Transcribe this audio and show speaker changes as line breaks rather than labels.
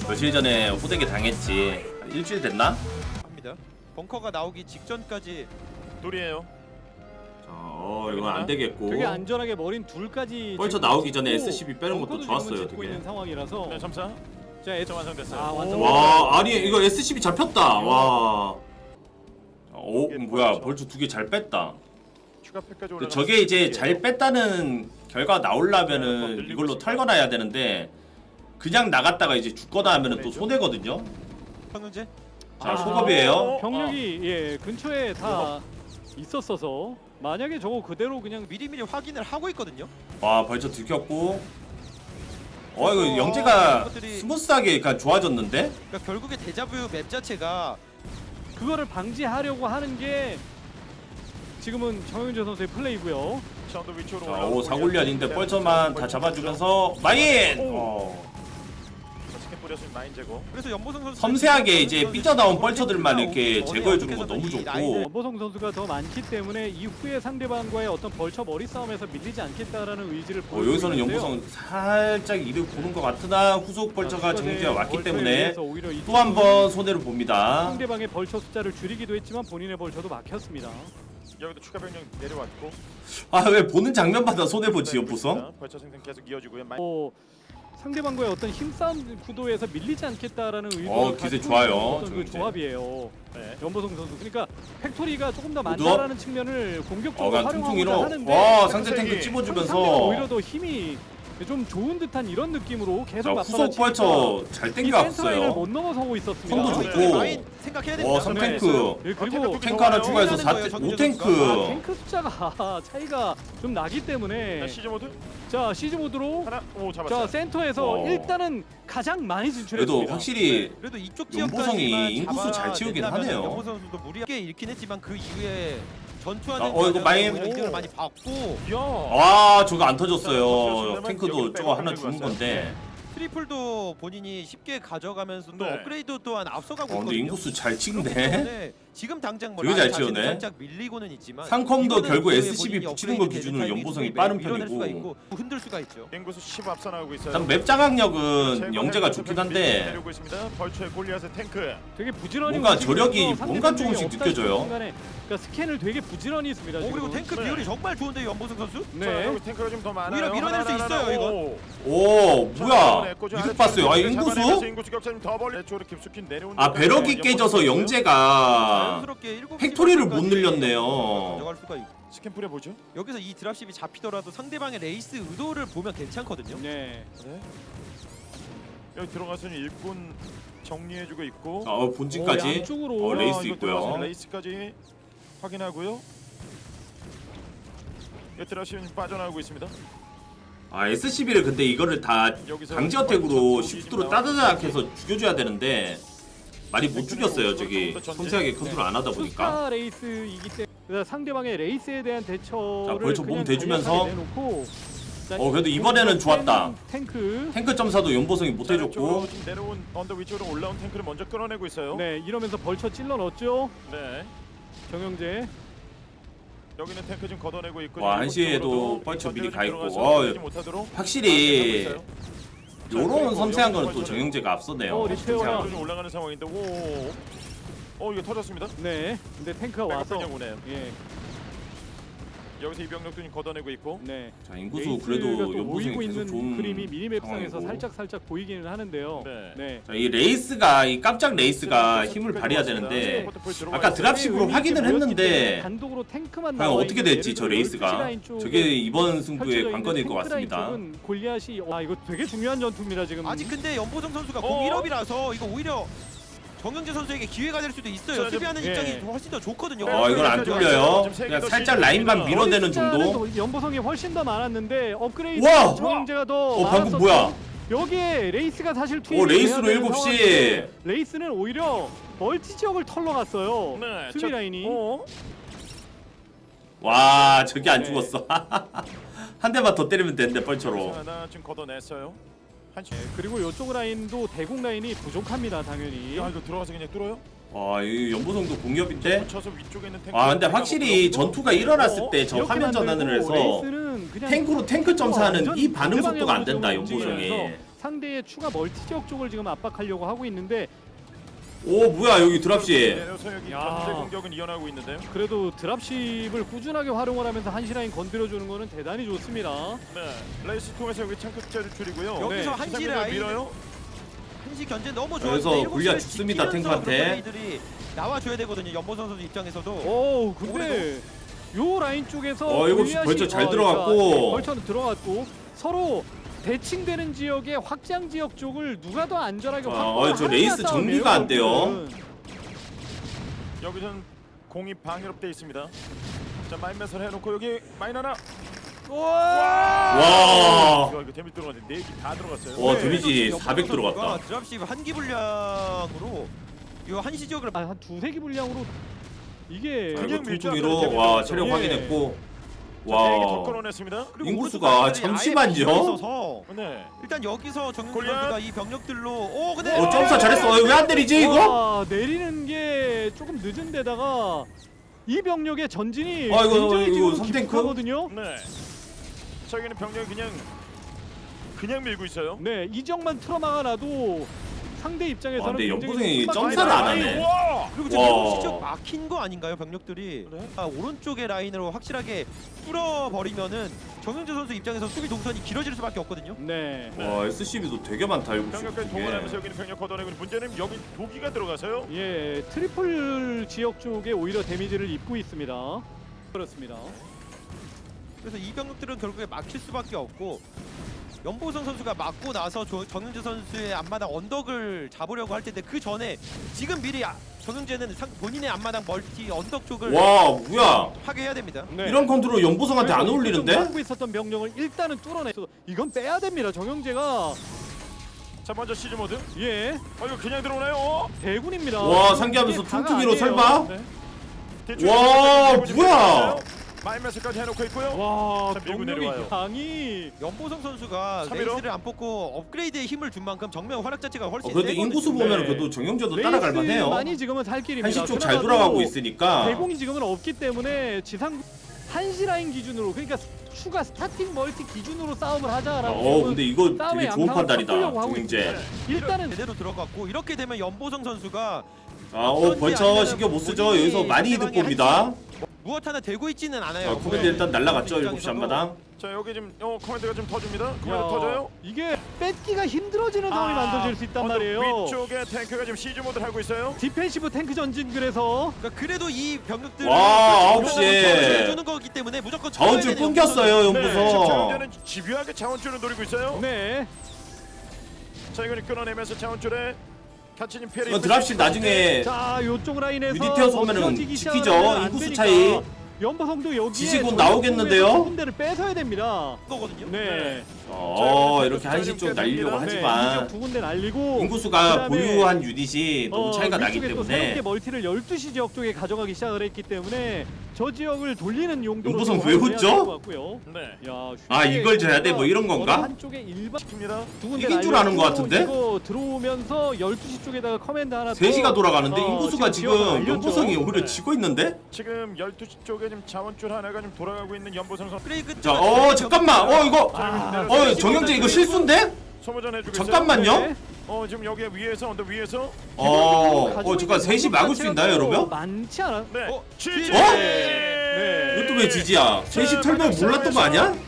며칠 전에 호되게 당했지. 일주일 됐나?
합니다. 벙커가 나오기 직전까지
둘이에요.
자, 이건 안 되겠고.
되게 안전하게 머린 둘까지
벌써
지금
나오기 전에
찍고
SCB 빼는 것도
벙커도
좋았어요,
지금은 짓고
되게.
있는 상황이라서
네, 점사.
자,
점 완성됐어요.
완성.
와, 아니 이거 SCB 잡혔다. 와. 뭐야, 벌써 두 개 잘 뺐다.
추가 패까지
근데
올라가.
저게 이제 잘 뺐다는 결과가 나오려면은 이걸로 털거나 해야 되는데 그냥 나갔다가 이제 죽거나 하면은 또 손해거든요.
황은재
자, 소급이에요.
병력이 예 근처에 다 있었어서 만약에 저거 그대로 그냥
미리미리 확인을 하고 있거든요.
와, 벌써 들켰고. 이거 영재가
이것들이-
스무스하게 그러니까 좋아졌는데?
그러니까 결국에 데자뷰 맵 자체가
그거를 방지하려고 하는 게 지금은 정영재 선수의 플레이고요.
전도 위쪽으로
자,
올라가고
사골리 아닌데 뻘쳐만 다 잡아주면서 마인!
스캔 뿌렸으면 마인 제거.
그래서 연보성 선수
섬세하게 이제 삐져나온 뻘쳐들만 이렇게 제거해주는 거 너무 좋고.
연보성 선수가 더 많기 때문에 이후에 상대방과의 어떤 벌처 머리 싸움에서 밀리지 않겠다라는 의지를 보여주고
여기서는
있는데요.
연보성 살짝 이득 보는 것 같으나 후속 벌처가 정지가 왔기
벌처에
때문에
의해서 오히려 이
또 한 번 손해를 봅니다.
상대방의 벌처 숫자를 줄이기도 했지만 본인의 벌처도 막혔습니다.
여기도 추가 병력 내려왔고.
아, 왜 보는 장면마다 손해보지, 연보성?
벌처 생산 계속 이어지고요.
상대방과의 어떤 힘싸움 구도에서 밀리지 않겠다라는 의도를
기세
갖고
좋아요,
있는 어떤 그
정영재.
조합이에요.
네.
연보성 선수. 그러니까 팩토리가 조금 더
모두?
많다라는 측면을 공격적으로
그냥
활용하고자
퉁퉁이로.
하는데
와, 상대 탱크
상대가
상대가
찝어주면서.
오히려 더 힘이 좀 좋은 듯한 이런 느낌으로
자,
계속
후속 벌처 잘
이 센터라인을
땡겨왔어요.
못 넘어서고 있었습니다.
선도
이제
좋고.
마인 생각해야 됩니다.
3탱크.
예, 그리고
탱크 하나 추가해서
거예요,
5탱크.
탱크 숫자가 차이가 좀 나기 때문에
시즈 모드
자 시즈 모드로
하나. 오 잡았어요.
자 센터에서 일단은 가장 많이 진출했습니다.
그래도 확실히
그래도 이쪽
연보성이
지역까지만
인구수 잘 채우긴
잡아낸다면
하네요.
연보성 선수도 무리하게 잃긴 했지만 그 이후에 전투하는
이거 마인.
오히려 이득을 많이 받고
이야.
와, 저거 안 터졌어요. 탱크도 저거 하나 죽은 건데.
트리플도 본인이 쉽게 가져가면서도
네.
업그레이드 또한 앞서가고
근데
있거든요.
인구수 잘
그렇기
찍네.
때문에 지금 당장 뭐
되게 잘
라인 자체는
치우네.
살짝 밀리고는 있지만
상컴도
이거는
결국
그
SCB
본인이
붙이는 거
업그레이드
기준으로
되는
연보성이
타이밍도
빠른
밀어낼 수가
편이고.
있고 흔들 수가 있죠.
인구수 10 앞서 나오고 있어요.
참 맵 장악력은 영재가 좋긴 한데
내려오고 있습니다. 벌처의 골리앗의 탱크.
되게 부지런히
뭔가
움직이면서
저력이
상대
뭔가
병력이
조금씩
없다
느껴져요.
싶은 순간에 그러니까 스캔을 되게 부지런히 했습니다.
그리고
지금.
탱크
네.
비율이 정말 좋은데 연보성 선수?
자,
네.
여기 탱크가 좀 더 많아요.
오히려 밀어낼 수 있어요, 이건.
오, 뭐야? 이득 봤어요. 인구수?
인구수 격차는 더 벌리. 쪽으로 깊숙이 내려오는.
배럭이 깨져서 영재가
자연스럽게 7시
팩토리를 못
번까지
늘렸네요.
가져갈 수가 있고.
스캔 뿌려 보죠.
여기서 이 드랍십이 잡히더라도 상대방의 레이스 의도를 보면 괜찮거든요.
네.
네. 여기 들어가서는 일꾼 정리해주고 있고.
본진까지.
양쪽으로
레이스
이거
있고요.
들어가서 레이스까지 확인하고요. 여기 드랍십은 빠져나오고 있습니다.
SCB를 근데 이거를 다
여기서
강제 어택으로
벌써
시프트로
나오고
따다닥 해서 죽여줘야 되는데 많이 못 죽였어요. 저기 섬세하게 컨트롤 안 하다 보니까.
투스타 레이스이기 때문에 그러니까 상대방의 레이스에 대한 대처를
자, 벌써 몸
그냥
대주면서.
간략하게 내놓고 자,
그래도 이번에는 좋았다.
탱크.
탱크 점사도 연보성이 못 해줬고.
쪽으로 지금 내려온 언덕 위쪽으로 올라온 탱크를 먼저 끌어내고 있어요.
네, 이러면서 벌쳐 찔러 넣었죠.
네.
정영재.
여기는 탱크 지금 걷어내고 있고.
와, 한시에도 벌쳐 미리 가 있고. 확실히 요런 섬세한 거는 또 정영재가 앞서네요.
리페어가.
섬세한 거.
좀 올라가는 상황인데 이거 터졌습니다.
네. 근데 탱크가 와서
백업병력 오네요.
예.
여기서 이병력도 지금 걷어내고 있고.
네.
자, 인구수
레이스가
그래도
또
연보성이
모이고
계속
있는
좋은
그림이 미니맵상에서
상황이고.
살짝 보이기는 하는데요.
네.
네.
자, 이 레이스가 이 깜짝 레이스가 힘을 발휘해야 되는데 아까 드랍십으로 확인을 했는데
단독으로 탱크만
과연
나와
어떻게
있는
될지
예를
저
들어
레이스가
12시 라인 쪽에
저게 이번 승부의
펼쳐져
관건일
있는
것
탱크 라인
같습니다.
쪽은 골리앗이 이거 되게 중요한 전투입니다 지금.
아직 근데 연보성 선수가 공 1업이라서 이거 오히려 정영재 선수에게 기회가 될 수도 있어요.
자,
수비하는
예.
입장이 훨씬 더 좋거든요.
이건 안 뚫려요. 그냥 살짝 라인만 밀어내는 정도.
연보성이 훨씬 더 많았는데 업그레이드
와!
정영재가 더
방금
많았었고
뭐야?
여기에 레이스가 사실 투입이
레이스로
돼야 되는
7시.
상황인데 레이스는 오히려 멀티 지역을 털러 갔어요.
네.
수비 라인이.
와, 저게 안
네.
죽었어. 한 대만 더 때리면 되는데 뻘처로.
하나 지금 걷어냈어요. 한시.
그리고 이쪽 라인도 대공 라인이 부족합니다 당연히.
야 이거 들어가서 그냥 뚫어요?
와, 이 연보성도 공격인데.
붙여서 위쪽에 있는 탱크.
근데 확실히 전투가 일어났을 때 저
이렇게
화면 전환을
만들고
해서
레이스는 그냥
탱크로 탱크 점사하는 이 반응 속도가 안 된다,
완전
연보성이.
움직이면서 상대의 추가 멀티 지역 쪽을 지금 압박하려고 하고 있는데
오 뭐야 여기 드랍시.
내려서 여기
야.
견제 공격은 이어나가고 있는데요.
그래도 드랍십을 꾸준하게 활용을 하면서 한시 라인 건드려주는 거는 대단히 좋습니다.
네. 레이스 통해서 여기 창급자를 줄이고요.
여기서
네.
한시
시상민을
라인
밀어요.
한시 견제 너무 좋아요.
여기서 골리앗 죽습니다, 탱크한테.
나와줘야 되거든요. 연보선 선수 입장에서도.
오 근데 요 라인 쪽에서
7시
골리앗이-
벌써 잘
아,
들어갔고.
네, 벌처는 들어갔고 서로 대칭되는 지역의 확장 지역 쪽을 누가 더 안전하게 확보를
저
하느냐
레이스
싸움이에요,
정리가 안 돼요.
결국은.
여기선 공이 방해롭돼 있습니다. 자 마인맷을 해놓고 여기 마인 하나.
와.
이거 데미지 들어갔는데 4개 다 들어갔어요.
와,
네,
데미지
연보선
400
선수가
들어갔다.
드랍십 한기 분량으로 이 한시 지역을
한 두세 기 분량으로 이게
자,
그냥
이거
밀죠.
퉁퉁이로 와 체력
예.
확인했고.
와. 4개 더
와.
끌어냈습니다.
그리고
인구수가
오른쪽 라인이
잠시만요.
아예 비어 있어서
네.
일단 여기서 정윤
골리앗.
선수가 이 병력들로 근데
점사 잘했어. 왜 안 때리지 이거?
와, 내리는 게 조금 늦은 데다가 이 병력의 전진이
아, 이거,
굉장히
이거
지금
삼탱크?
깊거든요.
네. 자 여기는 병력이 그냥 밀고 있어요.
네, 이 지역만 틀어막아놔도 상대 입장에서는
근데
굉장히
연보성이
큰
점사를 안 하네.
와.
그리고 지금
와.
7시 지역 막힌 거 아닌가요 병력들이?
네.
오른쪽의 라인으로 확실하게 뚫어버리면은 정윤재 선수 입장에서 수비 동선이 길어질 수밖에 없거든요.
네.
와 SCB도 되게 많다 이거.
병력까지 동원하면서 여기는 병력 걷어내고 문제는 여기 도기가 들어가서요.
예, 트리플 지역 쪽에 오히려 데미지를 입고 있습니다. 그렇습니다.
그래서 이 병력들은 결국에 막힐 수밖에 없고 연보성 선수가 맞고 나서 정윤재 선수의 앞마당 언덕을 잡으려고 할 텐데 그 전에 지금 미리 정윤재는 본인의 앞마당 멀티 언덕 쪽을
와 뭐야?
파괴해야 됩니다.
네.
이런 컨트롤 연보성한테 안 어울리는데?
하고 있었던 병력을 일단은 뚫어내서 이건 빼야 됩니다. 정영재가
자 먼저 시즈 모드.
예,
이거 그냥 들어오나요?
대군입니다.
와, 상기하면서
이게 다가
퉁퉁이로
아니에요.
설마?
네.
대충
와,
대충
뭐야?
마인맷까지 해놓고 있고요.
와,
자, 밀고
병력의
내려와요.
양이
연보성 선수가
3위로?
레이스를 안 뽑고 업그레이드에 힘을 준 만큼 정면 활약 자체가 훨씬
그래도
세거든요.
인구수 보면
네.
그래도 정영재도 따라갈 만해요.
많이 지금은 살 길입니다.
한시 쪽 잘
그나마도
돌아가고 있으니까.
대공이 지금은 없기 때문에 지상 한시 라인 기준으로 그러니까 추가 스타팅 멀티 기준으로 싸움을 하자라고.
근데 이거
싸움의
되게 좋은
양상을
판단이다.
섞으려고 하고
정영재.
네.
일단은
제대로 들어갔고 이렇게 되면 연보성 선수가
벌쳐 신경 못 쓰죠. 여기서 많이 이득 봅니다.
무엇 하나 되고 있지는 않아요.
코멘트 일단 날라갔죠.
입장에서도.
7시 한마당.
자 여기 지금 커맨드가 좀 터줍니다. 커맨드
야,
터져요.
이게 뺏기가 힘들어지는 상황이 만들어질 수 있단 말이에요.
위쪽에 탱크가 지금 시즈 모드를 하고 있어요.
디펜시브 탱크 전진 그래서
그러니까 그래도 이 병력들
와, 9시에
해주는 거기 때문에 무조건
자원줄
쳐야 되는
끊겼어요.
네, 지금
연보성.
정현재는 집요하게 자원줄을 노리고 있어요.
네.
자 이거는 끊어내면서 자원줄에 같이 지금 피해를
이건 드랍실 나중에
자, 요쪽 라인에서
유니티어서 오면은
버텨지기
지키죠.
시작하면 안
인구수
되니까
차이.
연보성도 여기에
지지군
전력
나오겠는데요?
부분에서 군대를 뺏어야 됩니다.
거거든요.
네.
이렇게 한시 쪽 날리려고
네,
하지만
이쪽 두 군데 날리고
인구수가
그다음에
보유한 유닛이 너무 차이가 나기
위쪽에 또
때문에
새롭게 멀티를 12시 지역 쪽에 가져가기 시작을 했기 때문에 저 지역을 돌리는 용도로
연보성
좀
왜
활용해야
웃죠?
될것 같고요.
네.
야,
이걸 져야 돼? 뭐 이런 건가?
어느 한쪽에 일반
큽니다.
두 군데
이긴 줄 아는 것
날렸고
같은데?
이거 들어오면서 12시 쪽에다가 커맨드 하나
3시가 돌아가는데
어,
인구수가
지금 지역을
지금
알렸죠.
연보성이 오히려
네.
지고 있는데?
지금 12시 쪽에 지금 자원줄 하나가 좀 돌아가고 있는 연보성 선수.
업그레이드
자, 잠깐만. 이거 정영재 이거 실수인데?
소모전 해주고 있어요.
잠깐만요.
네.
지금 여기 위에서 언더 위에서
잠깐 3시 막을 수 있나요, 여러분?
많지 않아.
네.
어?
지지.
어?
네.
이것도 왜 지지야? 3시 털면 몰랐던 거 아니야?